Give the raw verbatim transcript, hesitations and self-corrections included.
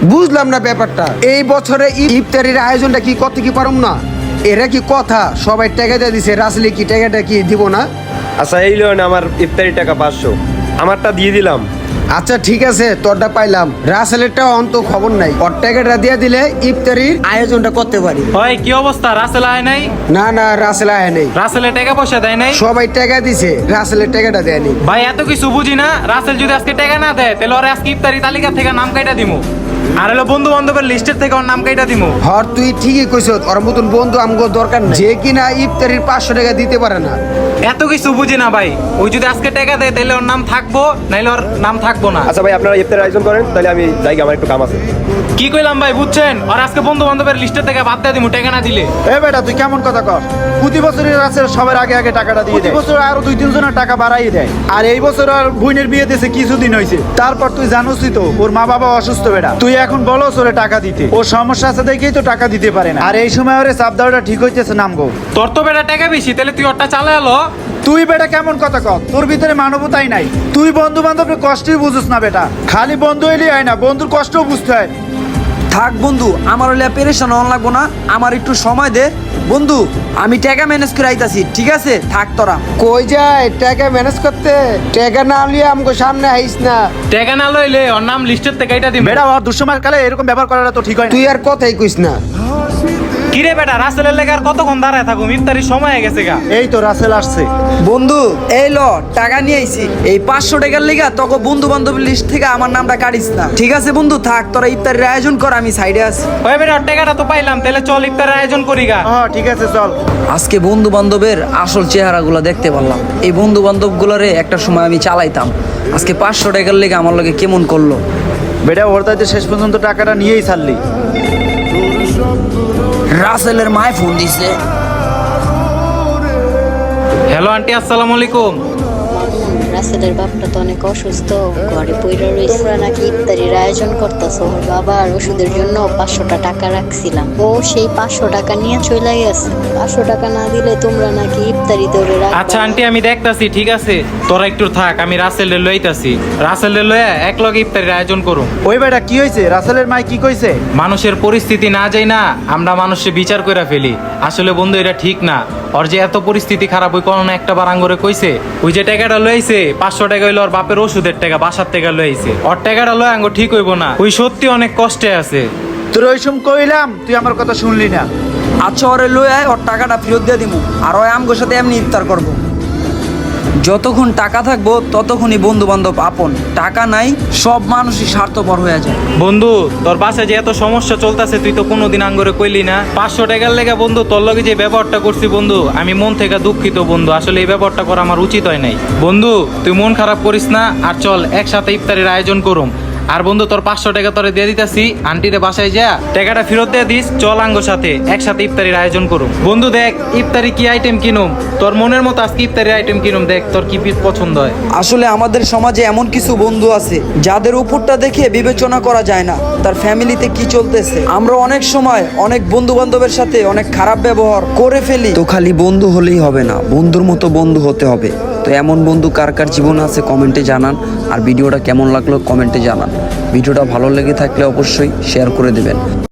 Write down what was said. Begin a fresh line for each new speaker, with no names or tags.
বুঝলাম না ব্যাপারটা। এই বছরে ইফতারির আয়োজনটা কি করতে কি পারুম না? এরা কি কথা সবাই টাকা দিয়ে দিছে, রাসেলে কি টাকাটা কি দিব না?
আচ্ছা এই লোন আমার ইফতারি টাকা পাঁচশো, আমারটা দিয়ে দিলাম।
আচ্ছা ঠিক আছে, তোরটা পাইলাম, রাসেলেরটা অন্ত খবর নাই। ওর টাকাটা দিয়ে দিলে ইফতারির আয়োজনটা করতে পারি।
হয় কি অবস্থা? রাসেল আয় নাই?
না না, রাসেল আয় নেই।
রাসেলে টাকা পয়সা দেয় নাই?
সবাই টাকা দিছে, রাসেলের টাকাটা দেয়নি।
ভাই এত কিছু বুঝি না, রাসেল যদি আজকে টাকা না দেয় তাহলে ওর আজকে ইফতারি তালিকা থেকে নাম কাইটা দিমু, আর হলো বন্ধু বান্ধবের লিস্টের থেকে ওর নাম কাইটা দিমু।
হর তুই ঠিকই কইছ, ওর মতন বন্ধু আমগো দরকার নেই যে কিনা ইফতারির পাঁচশো টাকা দিতে পারে না।
এত কিছু বুঝি না ভাই, ওই যদি আজকে টাকা দেয় তাহলে ওর নাম থাকবো, নাইলে ওর নাম থাকবো না।
আচ্ছা ভাই আপনারা ইফতারের আয়োজন করেন, তাহলে আমি যাই, আমার একটু কাম আছে।
কি কইলাম ভাই বুঝছেন? আর আজকে বন্ধু বান্ধবের লিস্টের থেকে বাদ দিয়ে দিমু টাকা না দিলে।
এ বেটা তুই কেমন কথা কর? প্রতি বছরের আছে সবার আগে আগে টাকাটা দিয়ে দেয়, বছর আরো দুই তিনজনের টাকা বাড়াই দেয়। আর এই বছর আর বোনের বিয়ে দিয়েছে কিছুদিন হয়েছে, তারপর তুই জানোসই তো ওর মা বাবা অসুস্থ বেটা। তুই এখন বলো ওরে টাকা দিতে, ওর সমস্যা আছে দেখেই তো টাকা দিতে পারে না। আর এই সময় ওরে চাপ দেওয়াটা ঠিক হইতেছে নামগো।
তোর তো বেটা টাকা বেশি, তাহলে তুই ওরটা চালা এলো।
তুই বেটা কেমন কথা কর? তোর ভিতরে মানবতাই নাই। তুই বন্ধু বান্ধবের কষ্টই বুঝিস না বেটা, খালি বন্ধু এলি হয় না, বন্ধুর কষ্টও বুঝতে হয়।
থাক বন্ধু, আমার হলে পেরেশান হন লাগবো না, আমার একটু সময় দে বন্ধু, আমি টাকা ম্যানেজ করে আইতাছি, ঠিক আছে? থাক তোরা।
কই যায় টাকা ম্যানেজ করতে? টাকা না নিয়ে আমগো সামনে আইস না।
টাকা না লইলে ওর নাম লিস্টের থেকে এটা দিমু।
বেটা ওর দুঃসময়ের কালে এরকম ব্যবহার করাটা তো ঠিক হয় না।
তুই আর কথাই কইস না।
কিরে বেটা, রাসেলের লেগে আর কতক্ষণ দাঁড়ায় থাকুম? ইফতারির সময় হয়ে গেছে গা।
এই তো রাসেল আসছে।
বন্ধু এই ল টাকা নিয়ে আইছি, এই পাঁচশো টাকার লিগা তোকে বন্ধু বান্ধবের লিস্ট থেকে আমার নামটা কাটিস না, ঠিক আছে বন্ধু? থাক, তোরা ইফতারের আয়োজন কর, আমি সাইডে আছি।
ওই বেটা ওর টাকাটা তো পাইলাম, তাহলে চল ইফতারের আয়োজন করি গা।
হ্যাঁ ঠিক আছে চল।
আজকে বন্ধু বান্ধবের আসল চেহারাগুলো দেখতে পারলাম। এই বন্ধু বান্ধবগুলোরে একটা সময় আমি চালাইতাম, আজকে পাঁচশো টাকার লেগে আমার লগে কেমন করলো।
বেটা ওর তাইতে শেষ পর্যন্ত টাকাটা নিয়েই ছাড়লি।
রাসেলের মায় ফোন দিছে।
হ্যালো আন্টি, আসসালামু আলাইকুম।
রাসেলের বাপটা তো অনেক অসুস্থ, ঘরে পইরা রইছে। তোমরা নাকি ইফতারির আয়োজন করতেছো, ওর বাবার ওষুধের জন্য পাঁচশোটা টাকা রাখছিলাম, ও সেই পাঁচশো টাকা নিয়ে চলে গেছে। পাঁচশো টাকা না দিলে তোমরা নাকি ইফতারি ধরে রাখবা।
আচ্ছা আন্টি আমি দেখতাছি, ঠিক আছে তোরা একটু থাক, আমি রাসেলের লইতাছি। রাসেলের লইয়া এক লগে ইফতারির আয়োজন করুম।
ওই বেটা কি হয়েছে? রাসেলের মাই কি কইছে?
মানুষের পরিস্থিতি না যাই না আমরা মানুষে বিচার করে ফেলি। আসলে বন্ধু এটা ঠিক না। ওর যে এত পরিস্থিতি খারাপ, ওই কোনো একটা বার আঙ্গরে কইছে ওই যে টাকাটা লইছে পাঁচশো টাকা হইলো ওর বাপের ওষুধের টাকা, বাসার টাকা লইছে। ওর টাকাটা লয় আঙ্গ ঠিক হইব না, ওই সত্যি অনেক কষ্টে আছে।
তোর ওই সময় কইলাম, তুই আমার কথা শুনলি না।
আচ্ছা ওরে লই আয়, ওর টাকাটা ফেরত দিয়ে দিবো, আর ওই আমগোর সাথে এমনি ইফতার করবো। যতক্ষণ টাকা থাকবো ততক্ষণই বন্ধু বান্ধব আপন, টাকা নাই সব মানুষই স্বার্থপর হয়ে যায়।
বন্ধু তোর বাসায় যে এত সমস্যা চলতেছে তুই তো কোনোদিন আঙ্গরে কইলি না। পাঁচশো টাকার লেগে বন্ধু তোর লগে যে ব্যবহারটা করছি বন্ধু, আমি মন থেকে দুঃখিত বন্ধু। আসলে এই ব্যবহারটা করা আমার উচিত হয় নাই বন্ধু। তুই মন খারাপ করিস না, আর চল একসাথে ইফতারির আয়োজন করুম। আর বন্ধু তোর পাঁচশো টাকা তোরে দিয়ে দিতেছি, আন্টিরে বাসায় যা টাকাটা ফেরত দিয়ে দিস। চল আঙ্গোর সাথে একসাথে ইফতারির আয়োজন করুম। বন্ধু দেখ ইফতারি কি আইটেম কিনুম, তোর মনের মতো আজকে ইফতারির আইটেম কিনুম, দেখ তোর কি পছন্দ হয়।
আসলে আমাদের সমাজে এমন কিছু বন্ধু আছে যাদের উপরটা দেখে বিবেচনা করা যায় না তার ফ্যামিলিতে কি চলতেছে। আমরা অনেক সময় অনেক বন্ধু বান্ধবের সাথে অনেক খারাপ ব্যবহার করে ফেলি। তো খালি বন্ধু হলেই হবে না, বন্ধুর মতো বন্ধু হতে হবে। তো এমন বন্ধু কার কার জীবনে আছে কমেন্টে জানান, আর ভিডিওটা কেমন লাগলো কমেন্টে জানান। ভিডিওটা ভালো লেগে থাকলে অবশ্যই শেয়ার করে দেবেন।